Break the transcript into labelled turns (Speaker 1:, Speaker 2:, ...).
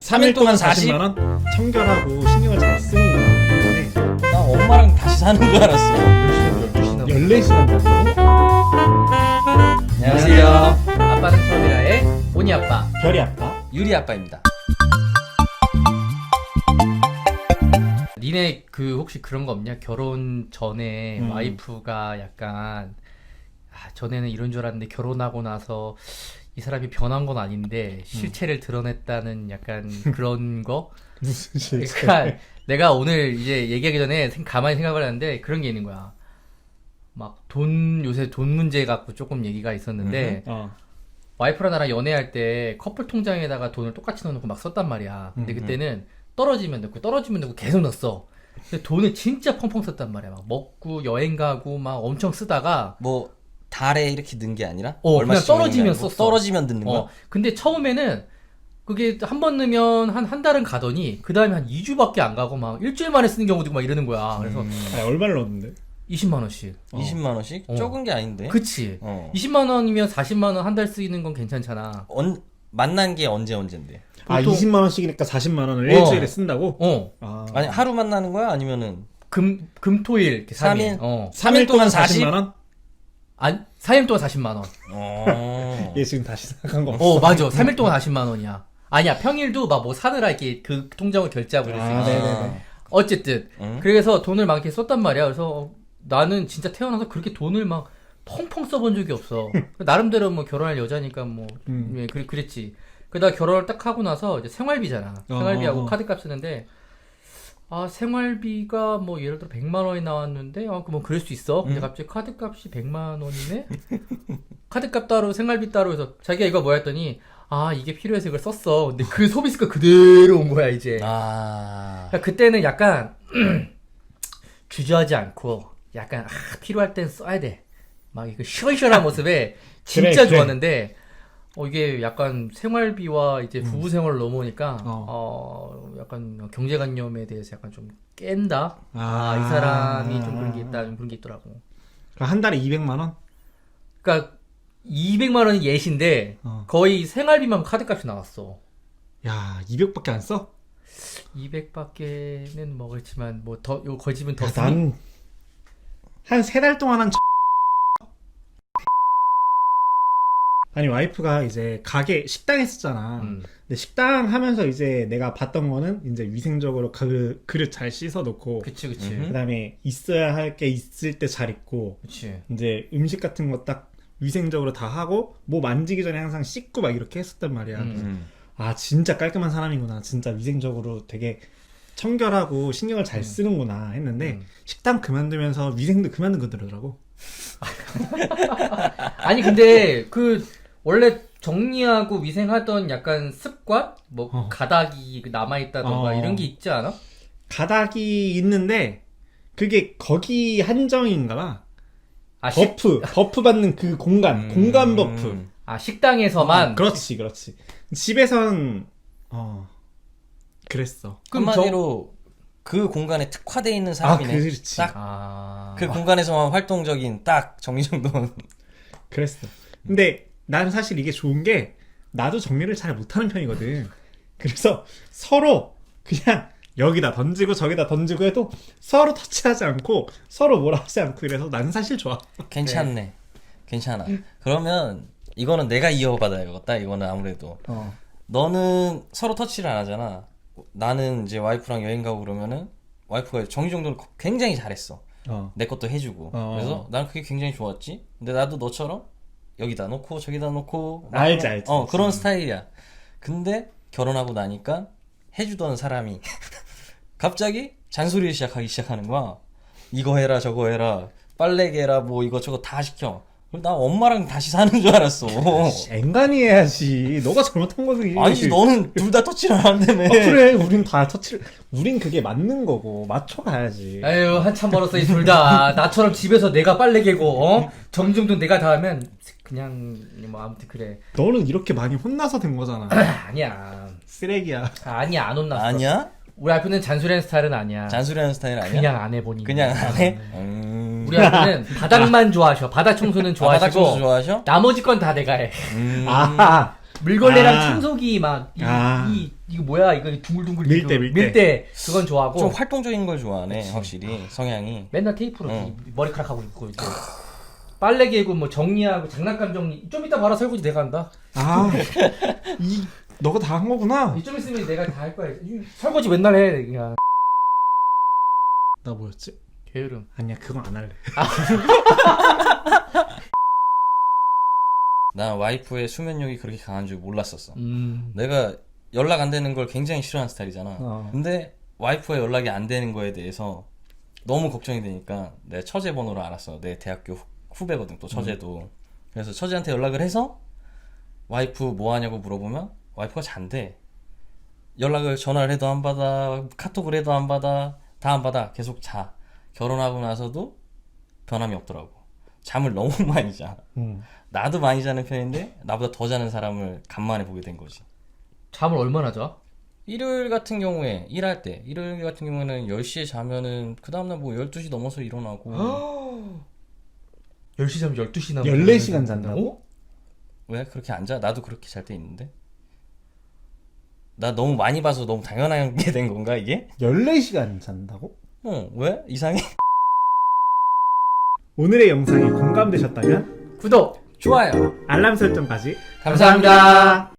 Speaker 1: 3일 동안 40만 원? 청결하고 신경을 잘 쓰는구나.
Speaker 2: 나 엄마랑 다시 사는 줄 알았어.
Speaker 1: 14시간 됐어?
Speaker 2: 안녕하세요.
Speaker 3: 아빠는 처음이라의 오니 아빠,
Speaker 1: 별이 아빠?
Speaker 2: 유리 아빠입니다.
Speaker 3: 니네 그 혹시 그런 거 없냐? 결혼 전에 와이프가 약간 전에는 이런 줄 알았는데 결혼하고 나서 이 사람이 변한 건 아닌데 실체를 드러냈다는 약간 그런 거?
Speaker 1: 무슨 실체?
Speaker 3: 그러니까 내가 오늘 이제 얘기하기 전에 가만히 생각을 하는데 그런 게 있는 거야. 막 요새 돈 문제 갖고 조금 얘기가 있었는데 와이프랑 나랑 연애할 때 커플 통장에다가 돈을 똑같이 넣어놓고 막 썼단 말이야. 근데 그때는 떨어지면 넣고 계속 넣었어. 근데 돈을 진짜 펑펑 썼단 말이야. 막 먹고 여행 가고 막 엄청 쓰다가
Speaker 2: 뭐 달에 이렇게 넣은 게 아니라
Speaker 3: 그냥 떨어지면 썼어.
Speaker 2: 떨어지면 넣는 거야?
Speaker 3: 근데 처음에는 그게 한 번 넣으면 한 달은 가더니 그 다음에 한 2주밖에 안 가고 막 일주일 만에 쓰는 경우도 있고 막 이러는 거야. 그래서
Speaker 1: 아니, 얼마를 넣었는데?
Speaker 3: 20만 원씩.
Speaker 2: 20만 원씩? 적은 게 아닌데.
Speaker 3: 그치.
Speaker 2: 어.
Speaker 3: 20만 원이면 40만 원 한 달 쓰이는 건 괜찮잖아.
Speaker 2: 만난 게 언제인데?
Speaker 1: 아,
Speaker 3: 보통-
Speaker 1: 20만 원씩이니까 40만 원을 일주일에 쓴다고?
Speaker 3: 아.
Speaker 2: 아니 하루 만나는 거야? 아니면은
Speaker 3: 금토일 이렇게 3일.
Speaker 2: 3일 동안
Speaker 1: 40만 원?
Speaker 3: 4일 동안 40만 원.
Speaker 1: 얘 지금 다시 생각한 거 없어.
Speaker 3: 맞아. 3일 동안 40만 원이야. 아니야. 평일도 막 뭐 사느라 이렇게 그 통장을 결제하고 이럴 수 있어.
Speaker 1: 네네네.
Speaker 3: 어쨌든 그래서 돈을 막 이렇게 썼단 말이야. 그래서 나는 진짜 태어나서 그렇게 돈을 막 펑펑 써본 적이 없어. 나름대로 뭐 결혼할 여자니까 뭐 그랬지. 그러다 결혼을 딱 하고 나서 이제 생활비잖아. 생활비하고 카드값 쓰는데 생활비가 뭐 예를 들어 100만 원이 나왔는데 뭐 그럴 수 있어. 근데 갑자기 카드값이 100만 원이네. 카드값 따로 생활비 따로 해서 자기가 이거 뭐야 했더니 이게 필요해서 이걸 썼어. 근데 그 소비스가 그대로 온 거야 이제. 그러니까 그때는 약간 주저하지 않고 약간 필요할 땐 써야 돼. 막 이거 시원시원한 모습에 진짜
Speaker 1: 그래.
Speaker 3: 좋았는데 이게 약간 생활비와 이제 부부 생활을 넘어오니까 약간 경제관념에 대해서 약간 좀 깬다. 이 사람이 좀 그런 게 있다, 좀 그런 게 있더라고.
Speaker 1: 그럼 한 달에 200만 원?
Speaker 3: 그러니까 200만 원이 예시인데 거의 생활비만 카드값이 나왔어.
Speaker 1: 야, 200밖에 안 써?
Speaker 3: 200밖에는 뭐 그렇지만 뭐 더 요 거집은 더
Speaker 1: 야,
Speaker 3: 쓰니?
Speaker 1: 난 한 3달 동안 아니 와이프가 이제 가게 식당 했었잖아. 근데 식당 하면서 이제 내가 봤던 거는 이제 위생적으로 그릇 잘 씻어 놓고
Speaker 3: 그치.
Speaker 1: 그다음에 있어야 할 게 있을 때 잘 있고
Speaker 3: 그치.
Speaker 1: 이제 음식 같은 거 딱 위생적으로 다 하고 뭐 만지기 전에 항상 씻고 막 이렇게 했었단 말이야. 진짜 깔끔한 사람이구나. 진짜 위생적으로 되게 청결하고 신경을 잘 쓰는구나 했는데 식당 그만두면서 위생도 그만둔 거더라고.
Speaker 3: 아니 근데 그 원래 정리하고 위생하던 약간 습관? 뭐 가닥이 남아있다던가 이런 게 있지 않아?
Speaker 1: 가닥이 있는데 그게 거기 한정인가 봐. 버프 받는 그 공간 버프.
Speaker 3: 식당에서만?
Speaker 1: 그렇지. 집에선 그랬어.
Speaker 2: 한마디로 그 공간에 특화되어 있는 사람이네.
Speaker 1: 그렇지.
Speaker 2: 딱 그 공간에서만 활동적인 딱 정리정돈.
Speaker 1: 그랬어. 근데 나는 사실 이게 좋은 게 나도 정리를 잘 못하는 편이거든. 그래서 서로 그냥 여기다 던지고 저기다 던지고 해도 서로 터치하지 않고 서로 뭐라 하지 않고 이래서 나는 사실 좋아.
Speaker 2: 괜찮네. 괜찮아. 그러면 이거는 내가 이어받아야겠다. 이거는 아무래도. 너는 서로 터치를 안 하잖아. 나는 이제 와이프랑 여행 가고 그러면은 와이프가 정리정돈을 굉장히 잘했어. 내 것도 해주고. 그래서 난 그게 굉장히 좋았지. 근데 나도 너처럼 여기다 놓고 저기다 놓고
Speaker 1: 알지.
Speaker 2: 그런 스타일이야. 근데 결혼하고 나니까 해주던 사람이 갑자기 잔소리를 시작하는 거야. 이거 해라 저거 해라 빨래개 해라 뭐 이거저거 다 시켜. 그럼 나 엄마랑 다시 사는 줄 알았어.
Speaker 1: 앵간히 해야지. 너가 잘못한 거지.
Speaker 2: 아니지 너는 둘 다 터치를 안 한다며.
Speaker 1: 그래 우린 다 터치를 우린 그게 맞는 거고 맞춰가야지.
Speaker 3: 아유 한참 멀었어 이 둘 다. 나처럼 집에서 내가 빨래 개고 정리정돈 내가 다 하면 그냥 뭐 아무튼 그래.
Speaker 1: 너는 이렇게 많이 혼나서 된 거잖아.
Speaker 3: 아니야.
Speaker 1: 쓰레기야.
Speaker 3: 아니야 안 혼났어.
Speaker 2: 아니야?
Speaker 3: 우리 와이프는 잔소리하는 스타일은 아니야.
Speaker 2: 잔소리하는 스타일 아니야?
Speaker 3: 그냥 안 해보니.
Speaker 2: 그냥 안 해?
Speaker 3: 우리 와이프는 바닥만 좋아하셔. 바닥 청소는 좋아하시고
Speaker 2: 바닥 청소 좋아하셔?
Speaker 3: 나머지 건 다 내가 해. 물걸레랑
Speaker 1: 아.
Speaker 3: 청소기 막 이거 뭐야 이거 둥글둥글
Speaker 1: 밀대,
Speaker 3: 이거
Speaker 1: 밀대.
Speaker 3: 밀대 그건 좋아하고
Speaker 2: 좀 활동적인 걸 좋아하네 확실히 성향이.
Speaker 3: 맨날 테이프로
Speaker 2: 응.
Speaker 3: 머리카락 하고 있고 이제 빨래 개고 뭐 정리하고 장난감 정리 좀 이따 봐라 설거지 내가 한다.
Speaker 1: 너가 다 한 거구나.
Speaker 3: 좀 있으면 내가 다 할 거야. 설거지 맨날 해 그냥.
Speaker 1: 나 뭐였지?
Speaker 3: 게으름.
Speaker 1: 아니야 그건 안 할래.
Speaker 2: 난 와이프의 수면력이 그렇게 강한 줄 몰랐었어.
Speaker 3: 음.
Speaker 2: 내가 연락 안 되는 걸 굉장히 싫어하는 스타일이잖아. 근데 와이프가 연락이 안 되는 거에 대해서 너무 걱정이 되니까 내 처제 번호를 알았어. 내 대학교 후배거든 또 처제도. 그래서 처제한테 연락을 해서 와이프 뭐 하냐고 물어보면 와이프가 잔대. 연락을 전화를 해도 안 받아, 카톡을 해도 안 받아, 다 안 받아. 계속 자. 결혼하고 나서도 변함이 없더라고. 잠을 너무 많이 자. 나도 많이 자는 편인데 나보다 더 자는 사람을 간만에 보게 된 거지.
Speaker 3: 잠을 얼마나 자?
Speaker 2: 일요일 같은 경우에 일할 때 일요일 같은 경우에는 10시에 자면은 그 다음날 뭐 12시 넘어서 일어나고
Speaker 3: 10시 자면 12시나
Speaker 1: 14시간 잔다고?
Speaker 2: 왜 그렇게 안 자? 나도 그렇게 잘 때 있는데. 나 너무 많이 봐서 너무 당연하게 된 건가 이게?
Speaker 1: 14시간 잔다고?
Speaker 2: 왜? 이상해?
Speaker 1: 오늘의 영상이 공감되셨다면
Speaker 3: 구독!
Speaker 2: 좋아요.
Speaker 1: 알람 설정까지
Speaker 3: 감사합니다.